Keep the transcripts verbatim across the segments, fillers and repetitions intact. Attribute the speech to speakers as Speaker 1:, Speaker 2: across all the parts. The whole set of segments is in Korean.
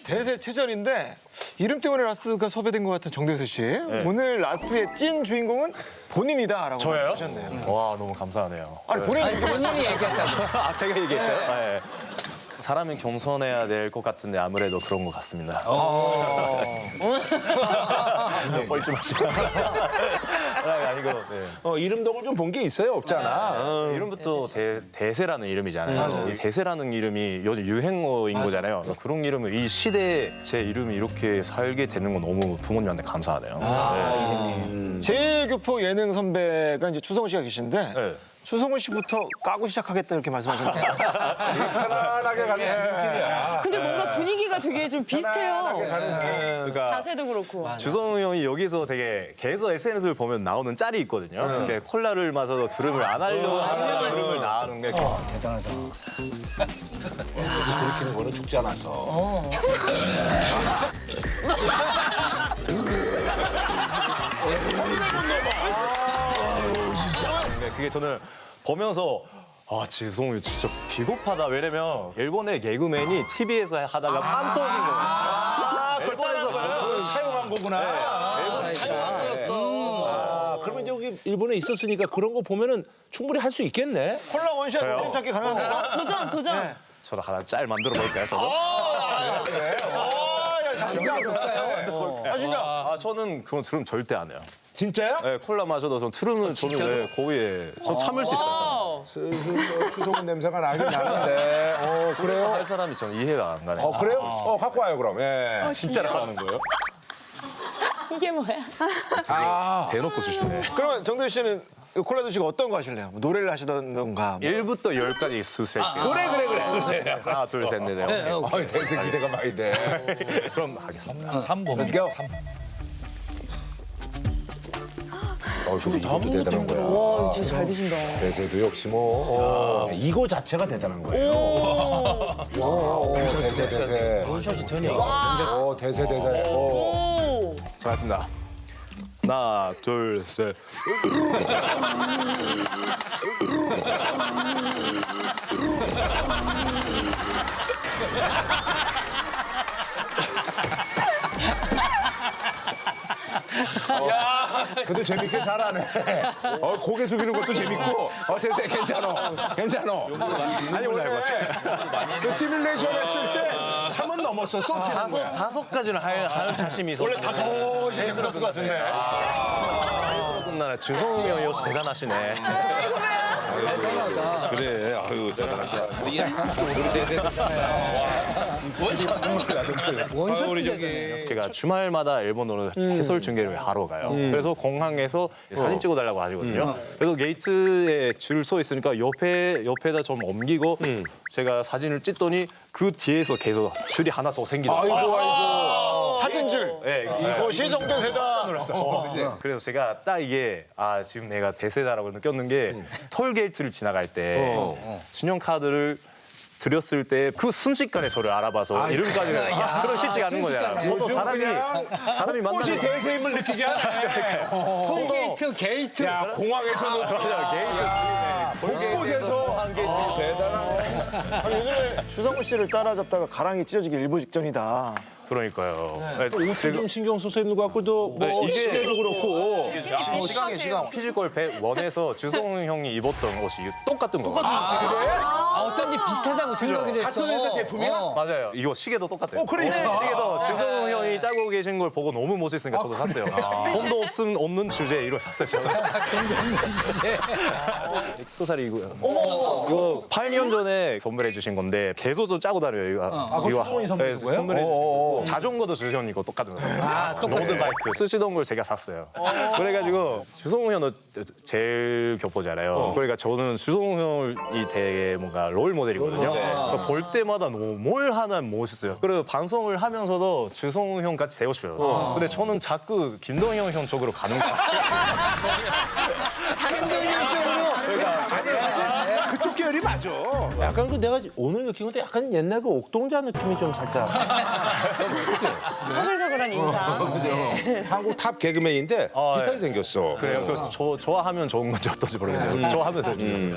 Speaker 1: 대세체전인데 이름 때문에 라스가 섭외된 것 같은 정대수 씨. 오늘 라스의 찐 주인공은 본인이다라고
Speaker 2: 저예요?
Speaker 1: 하셨네요.
Speaker 2: 와 너무 감사하네요.
Speaker 1: 아니 본인
Speaker 3: 아니, 본인이 얘기했다고.
Speaker 2: 아 제가 얘기했어요? 네. 사람이 겸손해야 될 것 같은데 아무래도 그런 것 같습니다. 뻘쭘하지 마. 아니, 아니고 네.
Speaker 4: 어, 이름덕을 좀 본 게 있어요? 없잖아. 어.
Speaker 2: 이름부터 대, 대세라는 이름이잖아요. 이 대세라는 이름이 요즘 유행어인 거잖아요. 그런 이름을 이 시대에 제 이름이 이렇게 살게 되는 건 너무 부모님한테 감사하네요. 네.
Speaker 1: 제일 교포 예능 선배가 이제 추성훈 씨가 계신데
Speaker 2: 네.
Speaker 1: 추성훈 씨부터 까고 시작하겠다 이렇게 말씀하셨는데
Speaker 4: 편안하게 가는 길이야.
Speaker 5: 근데 뭔가 분위기가 되게 좀 비슷해요.
Speaker 4: 편안하게 가는
Speaker 2: 그러니까
Speaker 5: 자세도 그렇고.
Speaker 2: 주성우 형이 여기서 되게 계속 에스엔에스를 보면 나오는 짤이 있거든요. 이렇게 콜라를 마셔도 드름을 안 하려고 하는 드름을 나오는 게
Speaker 3: 대단하다.
Speaker 4: 들키는 거는 죽지 않았어.
Speaker 2: 근데 그게 저는 보면서 아, 지성우 진짜 비겁하다. 왜냐면 일본의 개그맨이 티비에서 하다가 빵 터진 거예요. 아, 일본에서 그걸
Speaker 4: 차용한 거구나. 아, 그러면 여기 일본에 있었으니까 그런 거 보면은 충분히 할 수 있겠네.
Speaker 1: 콜라 원샷 그림 찾기 가능합니다.
Speaker 5: 도전, 도전.
Speaker 2: 저도 하나 짤 만들어 볼까요, 저도?
Speaker 1: 아, 진짜.
Speaker 2: 아, 저는 그건 트름 절대 안 해요.
Speaker 4: 진짜요?
Speaker 2: 네, 콜라 마셔도 전 트름은 저는 네, 거기에 저 참을 수 있어요.
Speaker 4: 슬슬 뭐 추성훈 냄새가 나긴 나는데. 어, 그래요?
Speaker 2: 할 사람이 저는 이해가 안 가네요.
Speaker 4: 어, 그래요? 어, 갖고 와요, 그럼. 예.
Speaker 2: 진짜로 하는 거예요?
Speaker 5: 이게 뭐야?
Speaker 4: 아,
Speaker 2: 대놓고 쓰시네.
Speaker 1: 그러면 정대수 씨는 콜라 드시고 어떤 거 하실래요? 뭐 노래를 하시던가. 뭐.
Speaker 2: 일부터 열까지 수술할게요.
Speaker 4: 그래, 그래, 그래, 그래.
Speaker 2: 하나, 둘, 셋, 넷, 넷.
Speaker 3: 네,
Speaker 2: 오케이.
Speaker 3: 오케이.
Speaker 4: 어, 대세 기대가 많이 돼.
Speaker 2: 그럼 하겠습니다.
Speaker 1: Let's go.
Speaker 4: 어, 근데 이것도 대단한 거야.
Speaker 5: 와, 진짜 잘 드신다.
Speaker 4: 대세도 역시 뭐. 어, 이거 자체가 대단한 거예요. 오, 대세, 대세. 어, 대세, 대세. 어.
Speaker 5: 오.
Speaker 2: 잘했습니다. 하나, 둘, 셋.
Speaker 4: 그래도 재밌게 잘하네. 어, 고개 숙이는 것도 재밌고. 어, 대세 괜찮어. 괜찮어. 아니, 원래 그 시뮬레이션 했을 때 삼은 넘었었어.
Speaker 2: 다섯, 다섯 가지는 할, 할 자신이 있었 원래 다섯
Speaker 1: 재밌었을 것 같은데.
Speaker 2: 아, 끝나네. 주성우 형이 역시 대단하시네.
Speaker 3: 대단하다.
Speaker 4: 그래, 아유, 대단하다. 우리 대세.
Speaker 3: 원샷
Speaker 4: 우리
Speaker 3: 되잖아요.
Speaker 4: 저기.
Speaker 2: 제가 주말마다 일본으로 해설 중계를 하러 가요. 그래서 공항에서 사진 찍어달라고 하시거든요. 그래서 게이트에 줄 서 있으니까 옆에 옆에다 좀 옮기고 제가 사진을 찍더니 그 뒤에서 계속 줄이 하나 더 생기더라고요.
Speaker 4: 아이고, 아이고.
Speaker 1: 사진줄.
Speaker 2: 네,
Speaker 1: 이것이 정대세다.
Speaker 2: 그래서 제가 딱 이게 아 지금 내가 대세다라고 느꼈는 게 톨게이트를 지나갈 때 신용카드를 드렸을 때 그 순식간에 저를 알아봐서 이름까지 그런 쉽지 않은 거잖아요. 보통 사람이 사람이
Speaker 4: 꽃이
Speaker 2: 만나서
Speaker 4: 대세임을 느끼게 하네.
Speaker 3: 톨게이트, 게이트.
Speaker 4: 야, 공항에서는 곳곳에서 대단하네.
Speaker 1: 아니, 요즘에 주성훈 씨를 따라잡다가 가랑이 찢어지기 일보 직전이다.
Speaker 2: 그러니까요. 네.
Speaker 4: 옷을 좀 신경 써서 입는 것 같고도 뭐
Speaker 2: 네, 이게-
Speaker 4: 시계도 그렇고.
Speaker 6: 시간이 시간.
Speaker 2: 피지컬 백원에서 주성훈 형이 입었던 옷이 똑같은 거예요.
Speaker 3: 아, 어쩐지 비슷하다고 생각을 했어.
Speaker 4: 같은 회사 제품이야?
Speaker 3: 어.
Speaker 2: 맞아요. 이거 시계도 똑같아요.
Speaker 4: 어, 그러니까.
Speaker 2: 시계도 주성훈 형이 짜고 계신 걸 보고 너무 멋있으니까 저도 샀어요. 돈도 없음 없는 주제에 이걸 샀어요. 저는. 엑소살이 이거요. 이거 팔 년 전에 선물해 주신 건데 계속 좀 짜고 다녀요. 이거.
Speaker 4: 아, 그거 주성훈이 선물해 준 거예요?
Speaker 2: 선물해 주신
Speaker 4: 어어어.
Speaker 2: 거. 자전거도 주성훈 이거 똑같은 거예요. 로드바이크 쓰시던 걸 제가 샀어요. 그래가지고 주성훈 형은 제일 겹보잖아요. 그러니까 저는 주성훈 형이 되게 뭔가 롤 모델이거든요. 그러니까 볼 때마다 너무 뭘 하나 멋있어요. 그리고 방송을 하면서도 주성훈 형 같이 되고 싶어요. 근데 저는 자꾸 김동현 형 쪽으로 가는 것 같아요.
Speaker 4: 아니, 사실 그쪽 계열이 맞아. 약간 그 내가 오늘 느낀 건데 약간 옛날 그 옥동자 느낌이 좀 살짝.
Speaker 5: 서글서글한 인상. 네.
Speaker 4: 한국 탑 개그맨인데
Speaker 2: 아,
Speaker 4: 비슷하게
Speaker 2: 예.
Speaker 4: 생겼어.
Speaker 2: 그래요. 그 저, 좋아하면 좋은 건지 어떤지 모르겠네요. 좋아하면 되죠.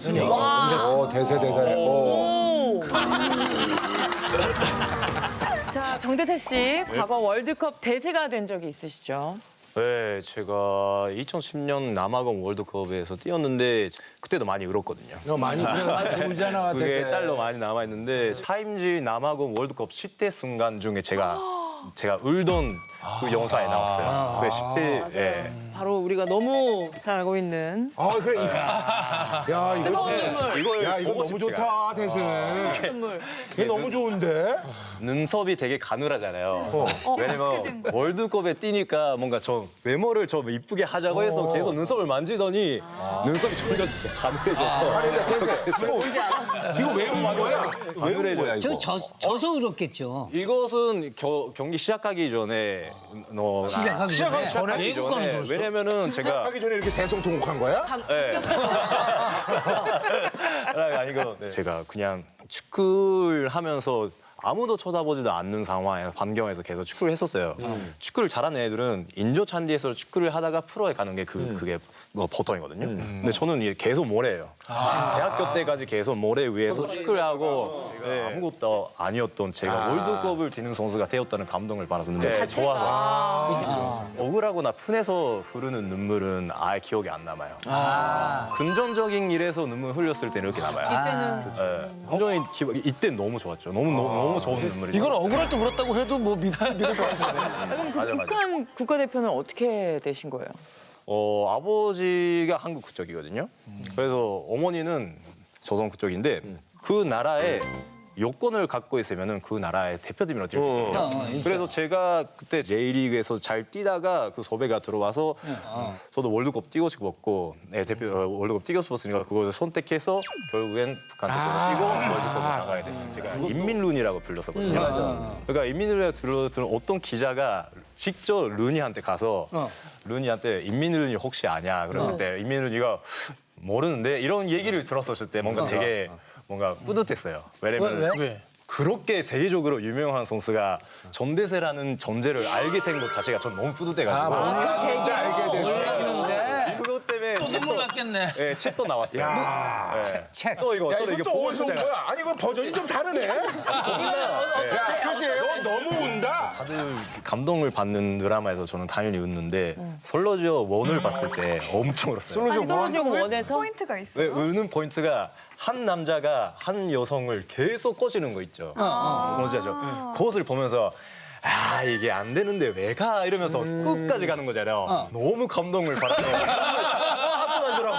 Speaker 4: 어, 대세 대세. 어.
Speaker 5: 오. 정대세 씨, 과거 월드컵 대세가 된 적이 있으시죠?
Speaker 2: 네, 제가 이천십 년 남아공 월드컵에서 뛰었는데 그때도 많이 울었거든요.
Speaker 4: 너 많이 많이 울잖아.
Speaker 2: 그게
Speaker 4: 되게.
Speaker 2: 짤로 많이 남아있는데 타임지 남아공 월드컵 십 대 순간 중에 제가 제가 울던 그 영상에 나왔어요. 그 십 대 예.
Speaker 5: 바로 우리가 너무 잘 알고 있는
Speaker 4: 아 그래. 이거. 야 이거.
Speaker 5: 뜨거운 눈물.
Speaker 2: 이걸
Speaker 4: 야 이거
Speaker 2: 보고
Speaker 4: 너무
Speaker 2: 싶지가
Speaker 4: 좋다 대세.
Speaker 5: 눈물.
Speaker 4: 이게 너무 좋은데.
Speaker 2: 눈썹이 되게 가늘하잖아요. 왜냐면 월드컵에 뛰니까 뭔가 저 외모를 좀 이쁘게 하자고 해서 계속 눈썹을 만지더니 눈썹이 점점 가늘해져서
Speaker 5: 뭔지 알아?
Speaker 4: 이거 왜 웃는 거야? 왜 웃는 거야
Speaker 3: 저
Speaker 4: 이거?
Speaker 3: 져, 져서 울었겠죠.
Speaker 2: 이것은 겨, 경기 시작하기 전에 너
Speaker 3: 시작하기 전에.
Speaker 2: 시작하기 전에 왜냐면은 제가
Speaker 4: 하기 전에 이렇게 대성통곡한 거야?
Speaker 2: 네. 아니고 네. 제가 그냥 축구를 하면서 아무도 쳐다보지도 않는 상황에서 반경에서 계속 축구를 했었어요. 축구를 잘하는 애들은 인조 찬디에서 축구를 하다가 프로에 가는 게 그 그게 뭐 보통이거든요. 근데 저는 이게 계속 모래예요. 대학교 때까지 계속 모래 위에서 축구를 하고 네. 아무것도 아니었던 제가 월드컵을 뛰는 선수가 되었다는 감동을 받았는데 좋아서 억울하거나 푼에서 흐르는 눈물은 아예 기억이 안 남아요. 금전적인 일에서 눈물 흘렸을 때는 이렇게 남아요.
Speaker 5: 이때는
Speaker 2: 네. 완전히 기억, 이때 너무 좋았죠. 너무 너무, 너무 좋은 눈물이죠.
Speaker 1: 이건 억울할 때 울었다고 해도 뭐 믿을 믿을 것 같은데.
Speaker 5: 그럼 그
Speaker 2: 맞아, 맞아.
Speaker 5: 북한 국가대표는 어떻게 되신 거예요?
Speaker 2: 어, 아버지가 한국 국적이거든요. 그래서 어머니는 조선 국적인데 그 나라에 요건을 갖고 있으면은 그 나라의 대표팀으로 뛸 수 있거든요.
Speaker 3: 어, 어, 있어요.
Speaker 2: 그래서 제가 그때 제이리그에서 잘 뛰다가 그 섭외가 들어와서 저도 월드컵 뛰고 싶었고 네, 대표 어, 월드컵 뛰고 싶었으니까 그것을 선택해서 결국엔 북한 대표로 뛰고 월드컵을 나가게 됐어요. 제가 인민룬이라고 불렀었거든요. 그러니까 인민룬에 들어 들은 어떤 기자가 직접 룬이한테 가서
Speaker 3: 어.
Speaker 2: 룬이한테 인민룬이 혹시 아냐 그랬을 때 인민룬이가 모르는데 이런 얘기를 들었었을 때 뭔가 되게 뭔가 뿌듯했어요. 왜냐면
Speaker 3: 왜?
Speaker 1: 왜?
Speaker 2: 그렇게 세계적으로 유명한 선수가 전대세라는 존재를 알게 된 것 자체가 전 너무 뿌듯해가지고
Speaker 4: 몰랐는데 알게 됐어.
Speaker 3: 몰랐는데.
Speaker 2: 그것 때문에 책도 났겠네. 예, 책도 나왔어요. 예.
Speaker 3: 책.
Speaker 2: 또 이거
Speaker 4: 야
Speaker 2: 저도
Speaker 4: 이거
Speaker 2: 이게
Speaker 4: 또
Speaker 2: 보고
Speaker 4: 어디서 온
Speaker 2: 싶잖아요.
Speaker 4: 거야? 아니 이거 버전이 좀 다르네. 야 그지? 너 너무 운다.
Speaker 2: 다들 감동을 받는 드라마에서 저는 당연히 웃는데 솔로지어 원을 봤을 때 엄청 울었어요.
Speaker 5: 아니, 솔로지오 원에서
Speaker 6: 포인트가
Speaker 2: 왜
Speaker 6: 있어요.
Speaker 2: 우는 포인트가 한 남자가 한 여성을 계속 꼬시는 거 있죠. 뭔지 알죠? 그것을 보면서 아 이게 안 되는데 왜 가? 이러면서 끝까지 가는 거잖아요. 너무 감동을 받았어요. 하소하시라고.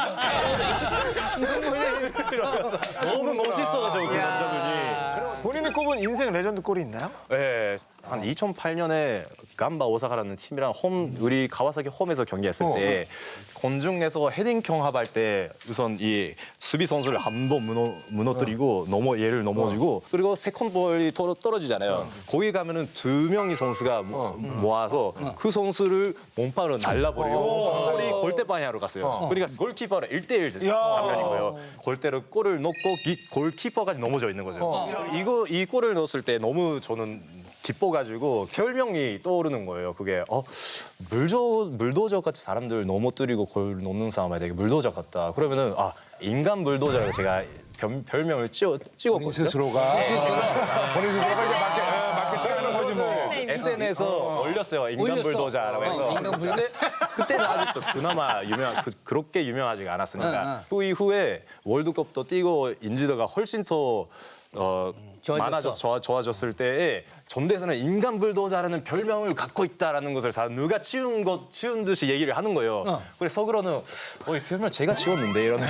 Speaker 2: 이러면서 너무 멋있어가지고 그 남자분이.
Speaker 1: 본인이 꼽은 인생 레전드 골이 있나요?
Speaker 2: 네, 한 이천팔 년에 감바 오사카라는 팀이랑 홈 우리 가와사키 홈에서 경기했을 때 공중에서 헤딩 경합할 때 우선 이 수비 선수를 한 번 무너, 무너뜨리고 넘어 얘를 넘어지고 그리고 세컨 볼이 떨어, 떨어지잖아요. 거기 가면은 두 명의 선수가 모, 모아서 그 선수를 몸파로 날라버리고 골이 골대 방향으로 갔어요. 그러니까 골키퍼랑 일 대일 장면인 거예요. 골대로 골을 넣고 기, 골키퍼까지 넘어져 있는 거죠. 이거 이 골을 넣었을 때 너무 저는 기뻐가지고 별명이 떠오르는 거예요. 그게 어 물도 물도저 같이 사람들 넘어뜨리고 골 넣는 사람이 되게 물도저 같다. 그러면은 아 인간 물도저라고 제가 별, 별명을 찍어,
Speaker 4: 본인
Speaker 2: 찍었거든요.
Speaker 4: 스스로가 본인 스스로가 이제 마케, 어, 마케팅하는 거지 뭐.
Speaker 2: 에스엔에스에서 올렸어요. 인간
Speaker 3: 올렸어.
Speaker 2: 불도저라고 해서.
Speaker 3: 어, 인간 불도저.
Speaker 2: 근데 그때는 아직도 그나마 유명 그, 그렇게 유명하지가 않았으니까 그 이후에 월드컵도 뛰고 인지도가 훨씬 더 어,
Speaker 3: 좋아졌어.
Speaker 2: 많아졌 좋아, 좋아졌을 때에 전대세는 인간 불도저라는 별명을 갖고 있다라는 것을 다 누가 치운 것 치운 듯이 얘기를 하는 거예요.
Speaker 3: 어.
Speaker 2: 그래서 속으로는 어, 이 별명 제가 지웠는데 이러는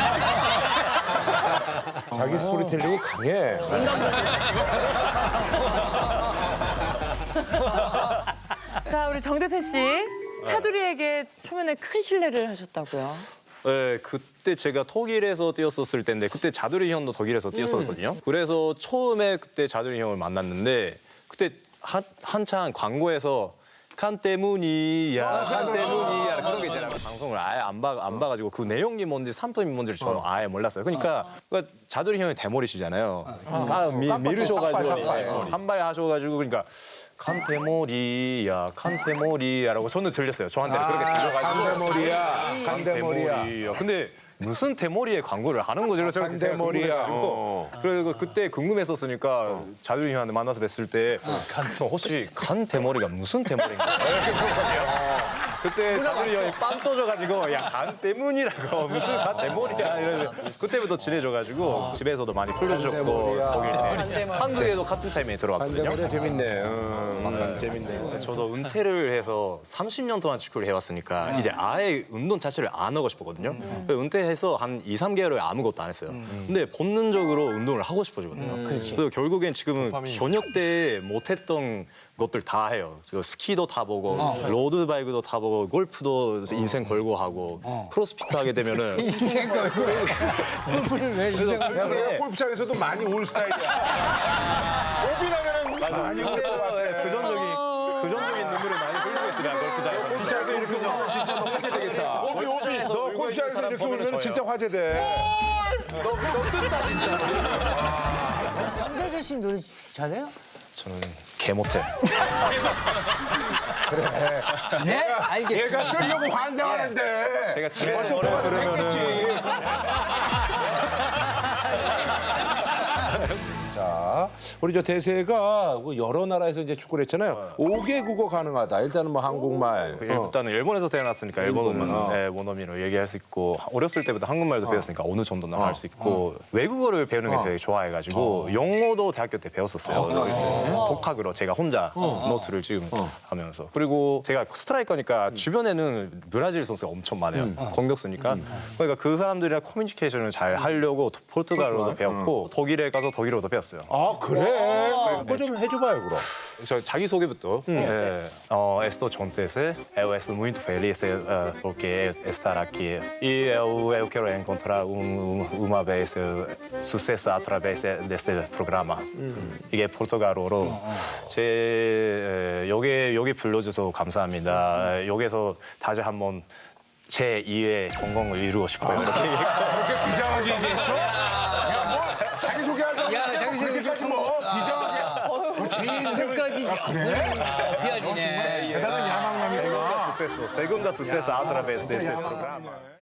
Speaker 4: 자기 스토리텔링이 강해.
Speaker 5: 자, 우리 정대세 씨. 차두리에게 초면에 큰 신뢰를 하셨다고요.
Speaker 2: 네, 그때 제가 독일에서 뛰었었을 때인데 그때 자두리 형도 독일에서 뛰었었거든요. 그래서 처음에 그때 자두리 형을 만났는데 그때 한, 한창 광고에서 칸 때문이야, 칸 때문이야 그런 게 있잖아요. 방송을 아예 안, 봐, 안 봐가지고 그 내용이 뭔지 상품이 뭔지를 저는 아예 몰랐어요. 그러니까, 그러니까 자두리 형이 대머리시잖아요. 아, 미, 미르셔가지고
Speaker 4: 삭발, 삭발.
Speaker 2: 산발하셔가지고 그러니까 칸테모리야, 칸테모리야라고 저는 들렸어요. 저한테는 그렇게 들려가지고.
Speaker 4: 간대머리야. 간대머리야.
Speaker 2: 대머리야. 근데 무슨 대머리에 광고를 하는 거지? 그래서 제가
Speaker 4: 대머리야.
Speaker 2: 궁금해가지고.
Speaker 4: 어.
Speaker 2: 그리고 그때 궁금했었으니까 자두리 형한테 만나서 뵀을 때 저 혹시 간 대머리가 무슨 대머리인가? 그때 자두리 형이 빵 터져가지고 야 간 때문이라고 무슨 간 대머리야 이러면서 그때부터 친해져가지고 집에서도 많이 풀려주셨고
Speaker 4: 대머리야.
Speaker 2: 독일 때
Speaker 5: 대머리.
Speaker 2: 한국에도 같은 타임에 들어왔거든요.
Speaker 4: 반대머리 재밌네. 음, 재밌네.
Speaker 2: 저도 은퇴를 해서 삼십 년 동안 축구를 해왔으니까 이제 아예 운동 자체를 안 하고 싶었거든요. 그래서 은퇴해서 한 이, 삼 개월을 아무것도 안 했어요. 근데 본능적으로 운동을 하고 싶어지거든요. 그래서 결국엔 지금은 현역 때 못했던 것들 다 해요. 저 스키도 타보고 로드바이크도 타보고 골프도 인생 걸고 하고 크로스핏 하게 되면은
Speaker 3: 인생 걸고 골프를 왜 인생 걸고
Speaker 4: 야, 그래, 골프장에서도 많이 올 스타일이야.
Speaker 1: 오비라면은
Speaker 2: 맞아.
Speaker 1: 많이
Speaker 2: 그때도 예, 부정적인 부정적인 눈물을 많이 흘리고 있으면 골프장에서
Speaker 4: 티셔츠 이렇게 울면 진짜 너 화제되겠다.
Speaker 1: 오비 오비.
Speaker 4: 너 골프장에서 이렇게 울면 진짜 화제돼.
Speaker 3: 정대세 씨 노래 잘해요?
Speaker 2: 저는 개 못해.
Speaker 3: 네, 알겠습니다.
Speaker 4: 얘가 뜨려고 환장하는데.
Speaker 2: 제가 집에서
Speaker 4: 벌써
Speaker 2: 노래
Speaker 4: 뭐가
Speaker 2: 부르면은
Speaker 4: 됐겠지. 자, 우리 저 대세가 뭐 여러 나라에서 이제 축구를 했잖아요. 오 개 국어 가능하다. 일단은 뭐 한국말.
Speaker 2: 그
Speaker 4: 어.
Speaker 2: 일단은 일본에서 태어났으니까 일본어는 네, 원어민으로 얘기할 수 있고 어렸을 때부터 한국말도 배웠으니까 어느 정도는 할 수 있고 외국어를 배우는 게 되게 좋아해가지고 영어도 대학교 때 배웠었어요. 독학으로 제가 혼자 노트를 지금 하면서 그리고 제가 스트라이커니까 주변에는 브라질 선수가 엄청 많아요. 공격수니까 그러니까 그 사람들이랑 커뮤니케이션을 잘 하려고 포르투갈어도 배웠고 독일에 가서 독일어도 배웠어요.
Speaker 4: 아, 그래? 그거 좀 해줘봐요, 그럼.
Speaker 2: 저 자기 소개부터. Eh, oh, estou contente. Eu estou muito feliz eh, porque estar aqui. E eu, eu quero encontrar um, uma vez eh, sucesso através de- deste programa. 이게 포르투갈어로 제 에, 여기 여기 불러줘서 감사합니다. 에, 여기서 다시 한번 제 이의 성공을 이루고 싶어요. 이렇게
Speaker 4: 그렇게 비장하게 얘기했어? 야, 뭐, 자기소개하자고.
Speaker 3: 야, 자기소개
Speaker 4: 그렇게까지 뭐, 비장하게. 제 인생을.
Speaker 3: 끝까지 그래? 비아니네.
Speaker 4: 대단한 야망남이구나.
Speaker 2: Segunda sucesso, segunda sucesso através deste programa.